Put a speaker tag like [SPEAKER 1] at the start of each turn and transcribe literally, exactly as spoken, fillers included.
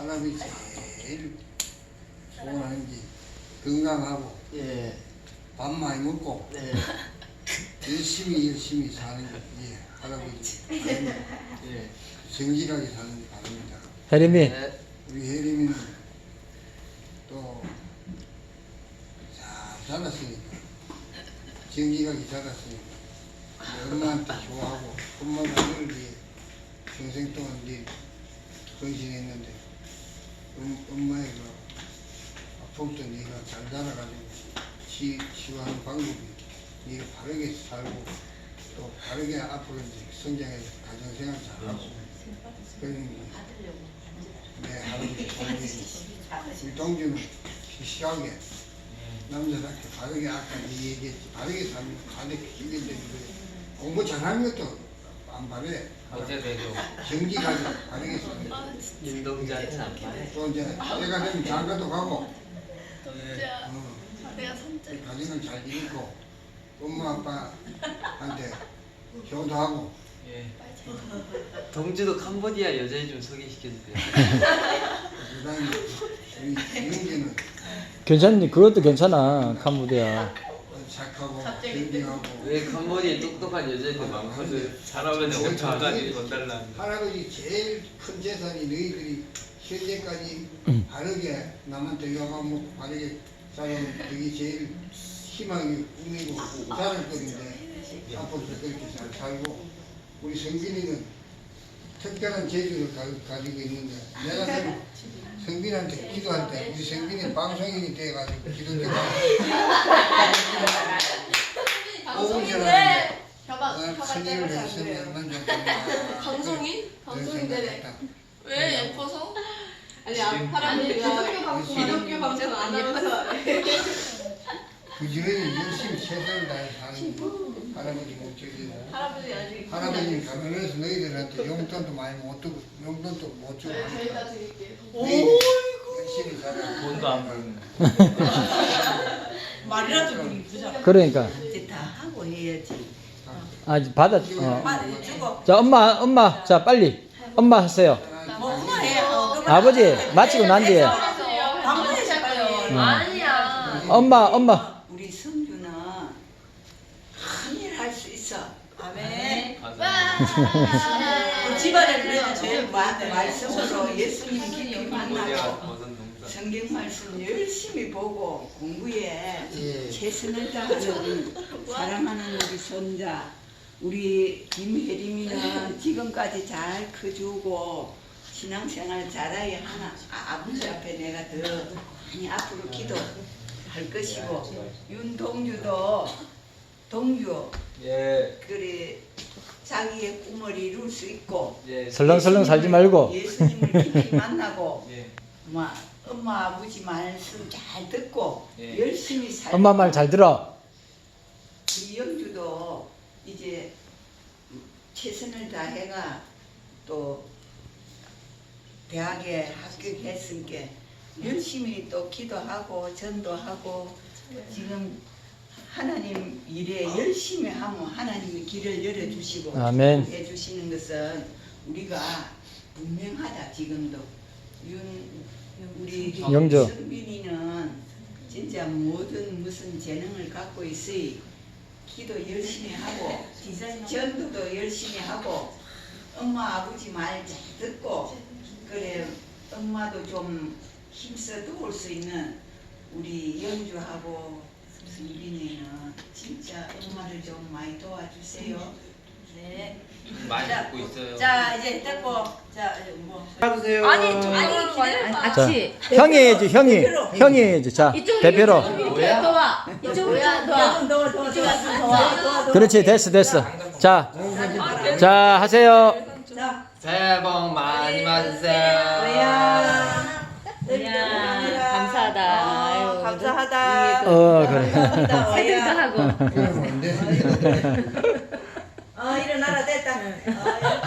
[SPEAKER 1] 사람이 제일 소원하는 게 건강하고
[SPEAKER 2] 예.
[SPEAKER 1] 밥 많이 먹고
[SPEAKER 2] 네.
[SPEAKER 1] 열심히 열심히 사는 게 예, 할아버지 바랍니다.
[SPEAKER 2] 예.
[SPEAKER 1] 정직하게 사는 게 바랍니다.
[SPEAKER 3] 혜림이
[SPEAKER 2] 네.
[SPEAKER 1] 우리 혜림이는 또 잘 자랐으니까 정직하게 자랐으니까 엄마한테 좋아하고 엄마가 너를 위해 평생 동안 네 헌신했는데 음, 엄마의 그 아픔도 네가 잘 자라가지고 치, 치유하는 방법이 네가 바르게 살고 또 바르게 앞으로 이제 성장해서 가정생활 잘하고 그러니 내 할아버지 동생이 우리 동주는 시시하게 남자답게 바르게 아까 네 얘기했지 바르게 살면 가득 기는데 공부 잘하는 것도 안 바래
[SPEAKER 4] 어제도
[SPEAKER 1] 정직하게 바르게 살면
[SPEAKER 2] 윤동자는 안 말해.
[SPEAKER 1] 또 이제 때가 되면 장가도 가고
[SPEAKER 5] 진짜
[SPEAKER 1] 어,
[SPEAKER 5] 내가 선택.
[SPEAKER 1] 가정을 잘 이루고 엄마 아빠한테 효도하고
[SPEAKER 4] 예.
[SPEAKER 2] 동주도 캄보디아 여자애 좀 소개시켜주세요.
[SPEAKER 1] 그다음에 우리 이은재는
[SPEAKER 3] 괜찮니? 그것도 괜찮아. 캄보디아.
[SPEAKER 1] 착하고
[SPEAKER 5] 갑자기
[SPEAKER 1] 정직하고
[SPEAKER 2] 왜 캄보디아 똑똑한 여자애들 많거든.
[SPEAKER 4] 할아버지
[SPEAKER 1] 제일
[SPEAKER 4] 오천까지
[SPEAKER 1] 잘하는
[SPEAKER 4] 돈 달라는데.
[SPEAKER 1] 할아버지 제일 큰 재산이 너희들이 현재까지 바르게 남한테 영감 먹고 바르게 살아온 그게 제일 희망이 꿈이고 잘할 건데 앞으로도 그렇게 잘 살고 우리 성빈이는 특별한 재주를 가, 가지고 있는데 내가 좀 성빈한테 기도할 때 우리 성빈이 방송인이 돼가지고 기도를
[SPEAKER 5] 방송인데 협박
[SPEAKER 1] 어,
[SPEAKER 5] 협박
[SPEAKER 1] 선임을
[SPEAKER 5] 때문에
[SPEAKER 1] 했으면
[SPEAKER 5] 안
[SPEAKER 1] 얼마나 좋겠나
[SPEAKER 5] 방송인? 방송인 되네.
[SPEAKER 1] 생각했다.
[SPEAKER 5] 왜 예뻐서?
[SPEAKER 6] 아니 할아버지가 기독교 방송 안 하면서
[SPEAKER 1] 그전에 열심히 최선을 다해 사는 할아버지 목적이
[SPEAKER 5] 할아버지 아직
[SPEAKER 1] 할아버지 가면서 너희들한테 용돈도 많이 못 주고 용돈도 못 주고
[SPEAKER 5] 네, 저희다
[SPEAKER 1] 하니까
[SPEAKER 5] 드릴게요.
[SPEAKER 1] 너희들 열심히 살아
[SPEAKER 4] 돈도 안 벌는.
[SPEAKER 7] 말이라도 우리 부자.
[SPEAKER 3] 그러니까.
[SPEAKER 7] 이제 다 하고 해야지.
[SPEAKER 3] 아, 받아. 어.
[SPEAKER 7] 말 주고
[SPEAKER 3] 자, 엄마, 엄마. 자, 빨리. 엄마 하세요.
[SPEAKER 7] 뭐 엄마 해. 어, 그만.
[SPEAKER 3] 아버지, 마치고 난 뒤에.
[SPEAKER 7] 방문해서 빨리.
[SPEAKER 3] 어.
[SPEAKER 5] 아니야.
[SPEAKER 3] 엄마, 엄마.
[SPEAKER 7] 우리 성규는 큰일 할 수 있어. 아멘.
[SPEAKER 4] 맞아.
[SPEAKER 7] 그 집안에 그래도 제일 마- 말씀으로 예수님 깊이
[SPEAKER 4] 캄보디아
[SPEAKER 7] 만나고
[SPEAKER 4] 버섯 농사.
[SPEAKER 7] 성경 말씀 열심히 보고 공부에
[SPEAKER 2] 예.
[SPEAKER 7] 최선을 다하는 사랑하는 우리 손자 우리 김혜림이는 지금까지 잘 커주고 신앙생활 잘하여 하나 아, 아버지 앞에 내가 더 많이 앞으로 기도할 것이고 윤동주도 동주
[SPEAKER 2] 예.
[SPEAKER 7] 그래 자기의 꿈을 이룰 수 있고
[SPEAKER 2] 예.
[SPEAKER 3] 설렁설렁 살지 말고.
[SPEAKER 7] 예수님을 깊이 만나고
[SPEAKER 2] 예.
[SPEAKER 7] 엄마, 엄마 아버지 말씀 잘 듣고
[SPEAKER 2] 예.
[SPEAKER 7] 열심히 살고
[SPEAKER 3] 엄마 말 잘 들어.
[SPEAKER 7] 우리 영주도 이제 최선을 다해가 또 대학에 합격했으니까 열심히 또 기도하고 전도하고 지금 하나님 일에 열심히 하면 하나님이 길을 열어주시고
[SPEAKER 3] 아멘.
[SPEAKER 7] 해주시는 것은 우리가 분명하다 지금도 윤 우리
[SPEAKER 3] 영조.
[SPEAKER 7] 성빈이는 진짜 모든 무슨 재능을 갖고 있으니 기도 열심히 하고 전도도 열심히 하고 엄마 아버지 말 잘 듣고 그래 엄마도 좀 힘써 도울 수 있는 우리 영주하고 성빈이는 진짜 엄마를 좀 많이 도와주세요.
[SPEAKER 6] 네.
[SPEAKER 4] 많이 듣고 있어요.
[SPEAKER 6] 자 이제 됐고 자 이제 뭐
[SPEAKER 2] 받으세요.
[SPEAKER 6] 아니 아니 기다려봐.
[SPEAKER 3] 자, 형이 해야지, 형이. 형이 해야지. 자, 대표로.
[SPEAKER 6] 뭐야? 더와 이쪽으로 좀 더와 이쪽으로 좀 더와.
[SPEAKER 3] 그렇지, 됐어, 됐어. 자, 자, 하세요.
[SPEAKER 2] 새해 복 많이 받으세요.
[SPEAKER 7] 야,
[SPEAKER 6] 감사하다. 아유,
[SPEAKER 7] 감사하다.
[SPEAKER 3] 어, 그래.
[SPEAKER 6] 새들도 하고.
[SPEAKER 1] 그러면 안 돼.
[SPEAKER 7] 어 일어나라 됐다. 어,